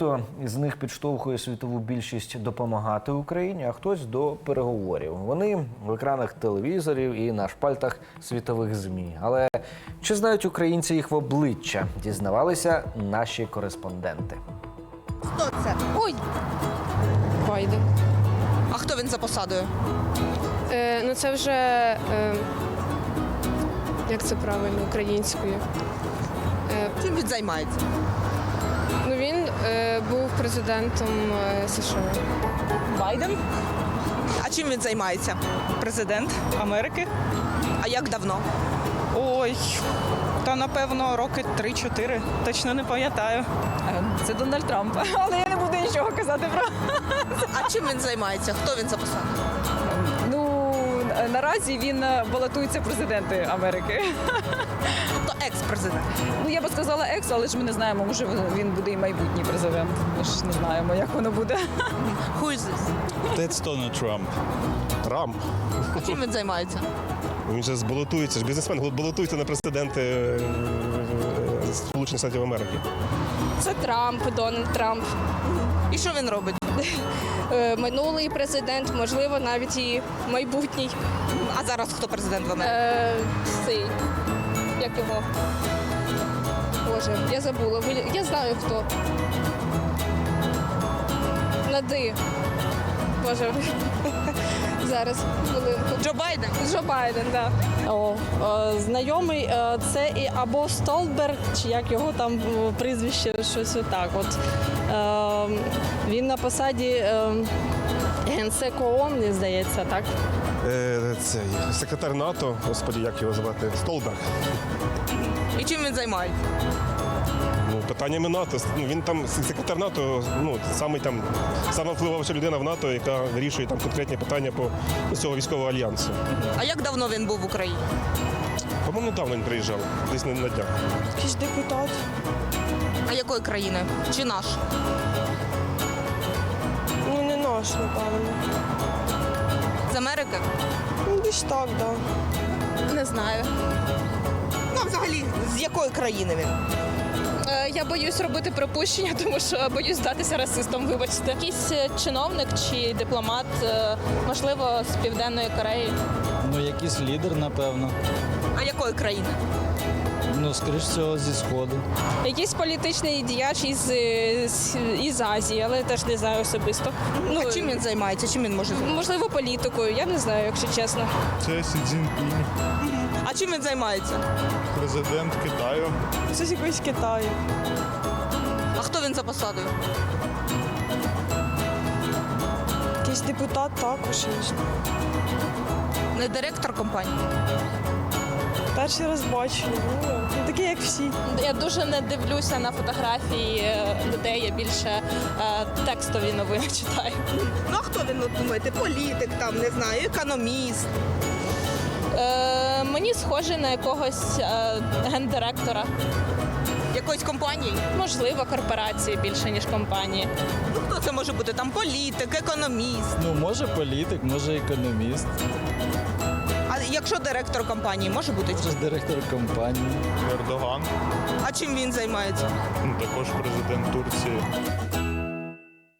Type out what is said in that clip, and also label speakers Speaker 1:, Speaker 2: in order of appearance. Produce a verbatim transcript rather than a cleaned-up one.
Speaker 1: Із них підштовхує світову більшість допомагати Україні, а хтось до переговорів. Вони в екранах телевізорів і на шпальтах світових ЗМІ. Але чи знають українці їх в обличчя? Дізнавалися наші кореспонденти.
Speaker 2: Хто це?
Speaker 3: Ой, Байден.
Speaker 2: А хто він за посадою?
Speaker 3: Е, ну це вже, е, як це правильно, українською. Е,
Speaker 2: Чим він займається?
Speaker 3: ну він е, був президентом е, США.
Speaker 4: Байден,
Speaker 2: А чим він займається?
Speaker 4: президент Америки.
Speaker 2: А як давно?
Speaker 4: Ой, та напевно роки три-чотири. Точно не пам'ятаю. Це Дональд Трамп. Але я не буду нічого казати про.
Speaker 2: А чим він займається? Хто він за посадою?
Speaker 4: Ну наразі він балотується в президенти Америки.
Speaker 2: Тобто екс-президент.
Speaker 4: Ну я би сказала екс, але ж ми не знаємо, може він буде і майбутній президент. Ми ж не знаємо, як воно буде.
Speaker 2: Who is this?
Speaker 5: That's Donald Trump.
Speaker 6: Трамп.
Speaker 2: А чим він займається?
Speaker 6: Він же балотується, ж бізнесмен балотується на президенти е, Сполучених Штатів Америки.
Speaker 3: Це Трамп, Дональд Трамп.
Speaker 2: І що він робить?
Speaker 3: Е, минулий президент, можливо, навіть і майбутній.
Speaker 2: А зараз хто президент в Америці?
Speaker 3: Е, цей, як його? Боже, я забула. Ви- Я знаю хто. Нади. Боже. Зараз, хвилинку.
Speaker 2: Джо Байден?
Speaker 3: Джо Байден, так. Да.
Speaker 7: О, е, знайомий, е, це і або Столберг, чи як його там е, прізвище, щось отак. От. Е, він на посаді е, генсеку ООН, мені здається, так?
Speaker 6: Е, цей секретар НАТО, господі, як його звати, Столберг.
Speaker 2: І чим він займається?
Speaker 6: Ну, питаннями НАТО. Ну, він там секретар НАТО, ну самий там сама впливовша людина в НАТО, яка вирішує там конкретні питання по ну, цього військового альянсу.
Speaker 2: А як давно він був в Україні?
Speaker 6: По-моєму, недавно він приїжджав, десь на, на днях.
Speaker 7: Якийсь депутат.
Speaker 2: А якої країни? Чи наш?
Speaker 7: Ну, не наш, напевно.
Speaker 2: З Америки?
Speaker 7: Ну, десь так, так. Да.
Speaker 3: Не знаю.
Speaker 2: Ну, а взагалі, з якої країни він?
Speaker 3: Е, Я боюсь робити припущення, тому що боюсь здатися расистом, вибачте. Якийсь е, чиновник чи дипломат, е, можливо, з Південної Кореї.
Speaker 8: Ну, якийсь лідер, напевно.
Speaker 2: А якої країни?
Speaker 8: Ну, скоріш всього, зі Сходу.
Speaker 3: Якийсь політичний діяч із, е, з- із Азії, але теж не знаю особисто. Ну,
Speaker 2: А чим він займається? Чим він може займатися?
Speaker 3: можливо, політикою, я не знаю, якщо чесно.
Speaker 5: Це Сі Цзіньпінь,
Speaker 2: А чим він займається?
Speaker 5: президент Китаю.
Speaker 7: Це з якогось Китаю.
Speaker 2: А хто він за посадою?
Speaker 7: Якийсь депутат також.
Speaker 2: Не директор компанії?
Speaker 7: Перший раз бачу. Ну, не такий, як всі.
Speaker 3: Я дуже не дивлюся на фотографії е, людей, я більше е, текстові новини читаю.
Speaker 2: Ну а хто він, от думаєте? Політик, там, не знаю, економіст.
Speaker 3: Е, мені схоже на якогось е, гендиректора.
Speaker 2: Якоїсь компанії?
Speaker 3: Можливо, корпорації більше, ніж компанії.
Speaker 2: Ну хто це може бути? Там політик, економіст.
Speaker 8: Ну, може політик, може економіст,
Speaker 2: А якщо директор компанії, може бути?
Speaker 8: може директор компанії.
Speaker 5: Ердоган,
Speaker 2: А чим він займається?
Speaker 5: ну, також президент Турції.